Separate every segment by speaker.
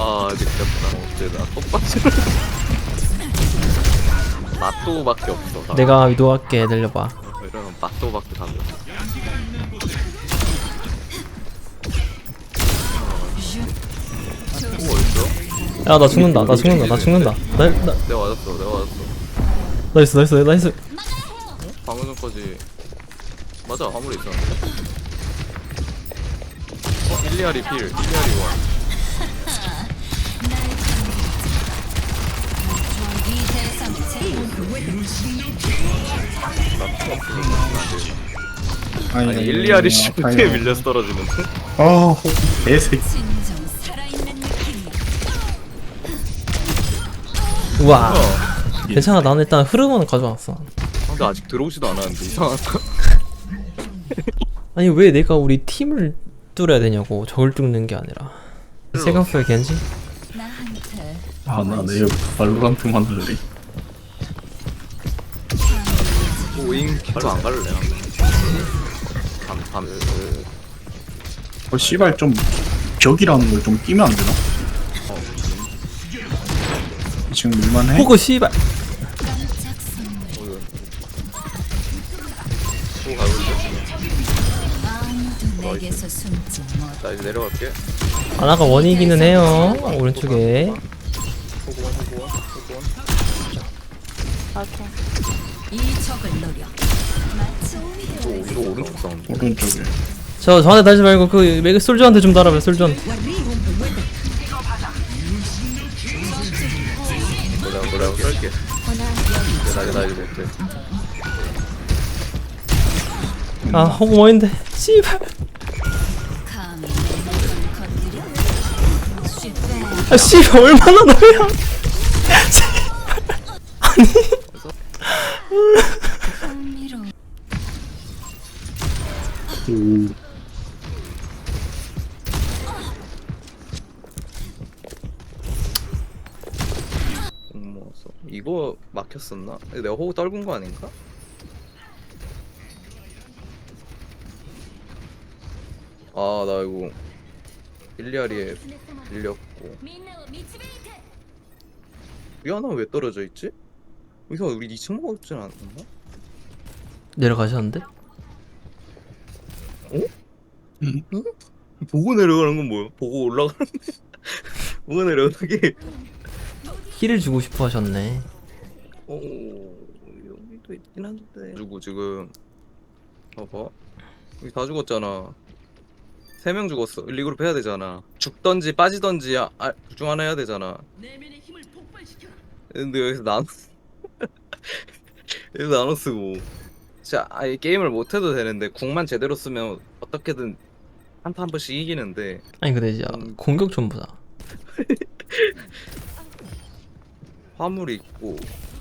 Speaker 1: 아 느꼈다. 어째나 똥바지를 맛도밖에 없어. 나.
Speaker 2: 내가 위도할게. 내려봐.
Speaker 1: 이러면 맛도밖에 다 없어. 오 어딨어?
Speaker 2: 야 나 죽는다. 나 죽는다. 나 죽는다. 나
Speaker 1: 내가 맞았어. 내가 맞았어.
Speaker 2: 나이스 나이스 나이스.
Speaker 1: 방금 전까지 맞아 화물에 있었는데. 일리아리 필, 일리아리 원. 아니 일리아리 씨 어떻게 밀려서 떨어지는데?
Speaker 3: 아, 개새끼.
Speaker 2: 우와. 괜찮아. 나는 일단 흐름은 가져왔어.
Speaker 1: 근데 아직 들어오지도 않았는데 이상하다.
Speaker 2: 아니 왜 내가 우리 팀을 뚫어야 되냐고. 저걸 뚫는 게 아니라. 세컨플 겐지?
Speaker 3: 아, 나 내일부터 발로란트만 할래.
Speaker 1: 오잉 바로 안 갈래. 밤
Speaker 3: 씨발 좀 벽이라는 걸 좀 끼면 안 되나? 지금 밀만해?
Speaker 2: 호그 씨발.
Speaker 1: 또 가고 있어. 나 이제 내려갈게.
Speaker 2: 아나가 원이기는 해요. 오른쪽에.
Speaker 1: 호구원. 이거 오른쪽 사운드.
Speaker 3: 오른쪽에.
Speaker 2: 저한테 다시 말고 그 메가 솔저한테 좀 달아봐요. 솔저한테.
Speaker 1: 뭐라고 썰게. 나 이제 못해.
Speaker 2: 아 호그 뭐인데. 씨발. 아 씨발 얼마나 너야. 아니.
Speaker 1: 이거 막혔었나? 내가 호구 떨군 거 아닌가? 아 나 이거 일리아리에 밀렸고. 미안하 왜 떨어져 있지? 여기서 우리 2층 먹었지 않았나?
Speaker 2: 내려가셨는데?
Speaker 3: 응?
Speaker 1: 보고 내려가는 건 뭐야? 보고 올라가는 보고 내려가는 게
Speaker 2: 힐을 주고 싶어 하셨네.
Speaker 1: 여기도 있긴 한데 죽고 지금 봐봐 여기 다 죽었잖아. 3명 죽었어. 리그룹 해야 되잖아. 죽던지 빠지던지 둘 중 하나 해야 되잖아. 근데 여기서 여기서 나눠 쓰고 진짜 아예 게임을 못 해도 되는데 궁만 제대로 쓰면 어떻게든 한타 한 번씩 이기는데.
Speaker 2: 아니 근데 진짜 공격 좀 보자.
Speaker 1: 화물이 있고.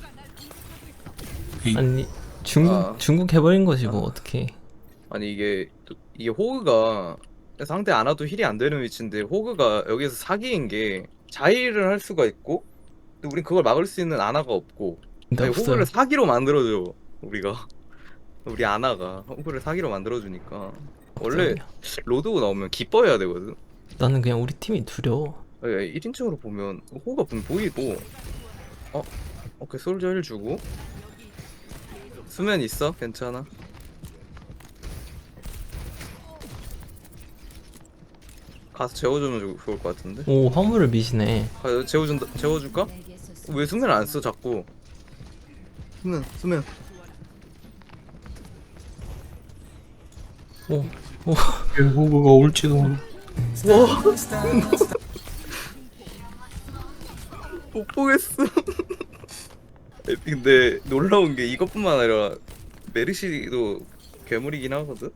Speaker 2: 아니 중국 해버린 거지 뭐 어떻게?
Speaker 1: 아니 이게 호그가 상대 안 와도 힐이 안 되는 위치인데 호그가 여기서 사기인 게 자일을 할 수가 있고 근데 우린 그걸 막을 수 있는 아나가 없고.
Speaker 2: 근데
Speaker 1: 아니,
Speaker 2: 없어요.
Speaker 1: 호그를 사기로 만들어줘 우리가. 우리 아나가 호그를 사기로 만들어주니까. 원래 로드고 나오면 기뻐해야 되거든.
Speaker 2: 나는 그냥 우리 팀이 두려워.
Speaker 1: 1인칭으로 보면 호그가 분명 보이고. 오케이 솔저 힐 주고. 수면 있어? 괜찮아. 가서 재워주면 좋을 것 같은데.
Speaker 2: 오 화물을 미시네.
Speaker 1: 재워줄까? 왜 수면 안 써 자꾸? 수면.
Speaker 2: 오
Speaker 3: 호구가 올지도 몰라.
Speaker 1: 못 보겠어. 근데 놀라운 게 이것뿐만 아니라 메르시도 괴물이긴 하거든.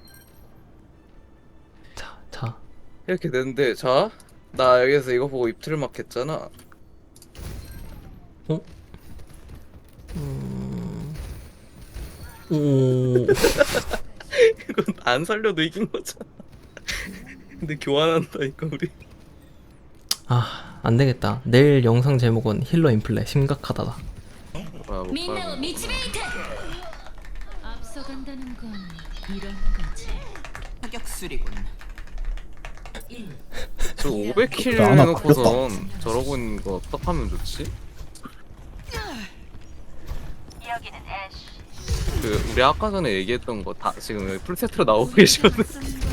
Speaker 2: 자.
Speaker 1: 이렇게 되는데 자, 나 여기서 이거 보고 입틀을 막 했잖아.
Speaker 2: 오.
Speaker 1: 이건 안 살려도 이긴 거잖아. 근데 교환한다니까 우리.
Speaker 2: 아 안되겠다. 내일 영상 제목은 힐러 인플레 심각하다다.
Speaker 4: 민나와 미치베이트. 앞서간다는 건 이런 거지.
Speaker 5: 타격술이군.
Speaker 1: 저 500킬
Speaker 3: 나 하나
Speaker 1: 해놓고선 저러고 있는 거 어떡하면 좋지? 그 우리 아까 전에 얘기했던 거 다 지금 여기 풀세트로 나오고 계시거든.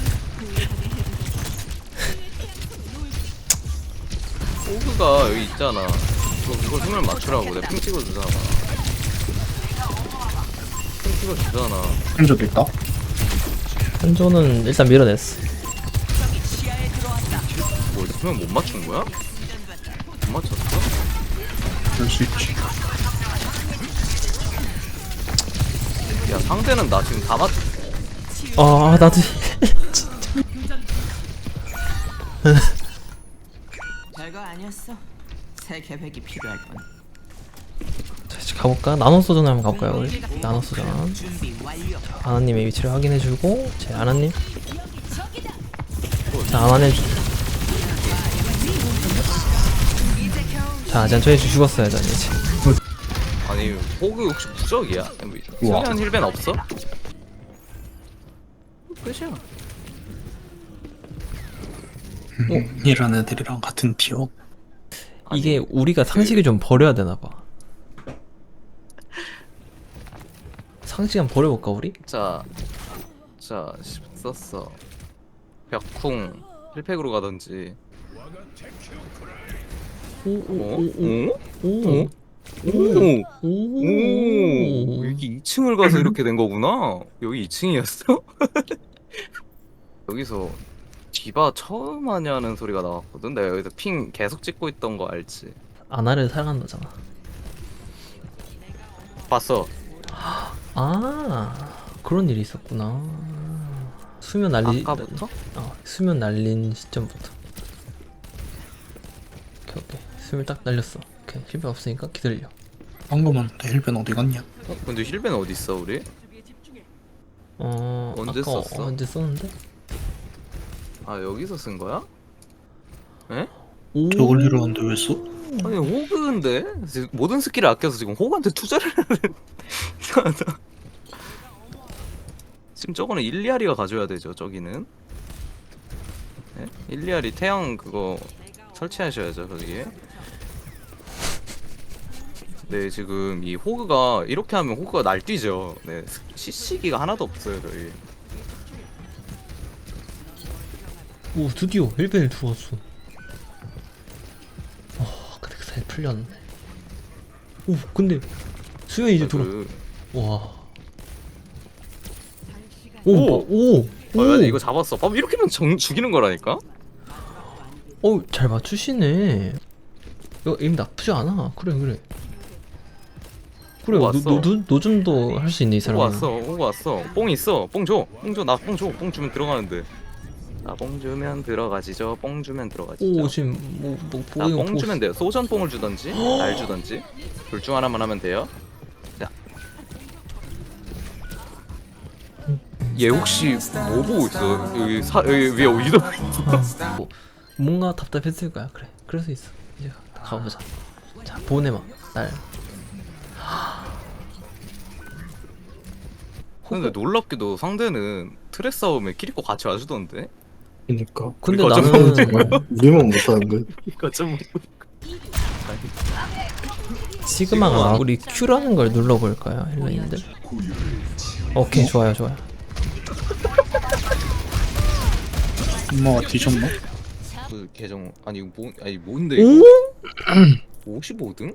Speaker 1: 호그가 여기 있잖아. 이걸 손을 맞추라고 내가 핑 찍어주잖아. 핑 찍어주잖아.
Speaker 3: 한적도 있다.
Speaker 2: 한조는 일단 밀어냈어.
Speaker 1: 뭐 있으면 못 맞춘 거야? 못 맞췄어?
Speaker 3: 그럴 수 있지.
Speaker 1: 야 상대는 나 지금 다 맞.
Speaker 2: 아 나도
Speaker 5: 별거 아니었어. 새 계획이 필요할 건.
Speaker 2: 자, 이제 가볼까? 나노소전 한번 가볼까요 우리? 나노소전.
Speaker 5: 준비 완료.
Speaker 2: 아나님의 위치를 확인해주고 제 아나님. 자 아나님. 자 전 저희 죽었어요 전 이제.
Speaker 1: 아니 호그 혹시 부적이야?
Speaker 3: 우와.
Speaker 1: 승현 힐벤 없어? 끝이야.
Speaker 3: 이런 애들이랑 같은 티어.
Speaker 2: 이게 우리가 상식을 좀 버려야 되나봐. 상식 한번 버려볼까 우리?
Speaker 1: 자 썼어. 벽쿵 힐팩으로 가던지. 오?
Speaker 2: 오오오오오
Speaker 1: 오, 여기 2층을 가서 이렇게 된 거구나. 여기 2층이었어? 여기서 디바 처음 하냐는 소리가 나왔거든. 내가 여기서 핑 계속 찍고 있던 거 알지?
Speaker 2: 아나를 사랑한다잖아.
Speaker 1: 봤어.
Speaker 2: 아 그런 일이 있었구나. 수면 날리
Speaker 1: 아까부터?
Speaker 2: 수면 날린 시점부터. 오케이 수면 딱 날렸어. 오케이 실패 없으니까 기다려.
Speaker 3: 방금 왔는데 힐벤 어디 갔냐?
Speaker 1: 근데 힐벤 어디 있어 우리? 언제
Speaker 2: 아까
Speaker 1: 썼어?
Speaker 2: 언제 썼는데?
Speaker 1: 아 여기서 쓴 거야? 에?
Speaker 2: 오
Speaker 3: 저걸 이러는데 왜 써?
Speaker 1: 아니 호그인데 지금 모든 스킬을 아껴서 지금 호그한테 투자를 하는. 이상하다. 지금 저거는 일리아리가 가져야 되죠. 저기는 네? 일리아리 태양 그거 설치하셔야죠 거기에. 네 지금 이 호그가 이렇게 하면 호그가 날뛰죠. 네 CC기가 하나도 없어요 저희.
Speaker 2: 오 드디어 1벤을 주웠어. 근데 그 사이 풀렸네. 오 근데 수면 이제 돌아. 와. 오.
Speaker 1: 맞아 이거 잡았어. 봐봐 이렇게 하면 죽이는 거라니까.
Speaker 2: 잘 맞추시네. 이거 에임 나쁘지 않아. 그래.
Speaker 1: 왔어.
Speaker 2: 노즘도 할 수 있네 이
Speaker 1: 호그
Speaker 2: 사람은.
Speaker 1: 왔어. 호그 왔어. 뽕 있어. 뽕 줘. 나 뽕 줘. 뽕 주면 들어가는데. 나 뽕 주면 들어가지죠. 뽕 주면 들어가지죠.
Speaker 2: 오 지금
Speaker 1: 나 뽕 주면 돼요. 소전 뽕을 주던지 날 주던지 둘 중 하나만 하면 돼요. 자. 얘 혹시 뭐 보고 있어? 여기 위에 위도
Speaker 2: 뭔가 답답했을 거야. 그래. 그럴 수 있어. 이제 가보자. 자 보내마 날.
Speaker 1: 근데 놀랍게도 상대는 트레 싸움에 키리코 같이 와주던데?
Speaker 3: 그니까.
Speaker 2: 근데
Speaker 1: 이거 어쩌면
Speaker 2: 나는
Speaker 3: 우리만 못하는 거야.
Speaker 1: 이거 좀
Speaker 2: 시그마가 우리 Q라는 걸 눌러볼까요, 헬라인들? 오케이 좋아요.
Speaker 3: 엄마가 뒤졌나?
Speaker 1: 그 계정 아니 이거 뭔데
Speaker 2: 오?
Speaker 1: 이거 55등?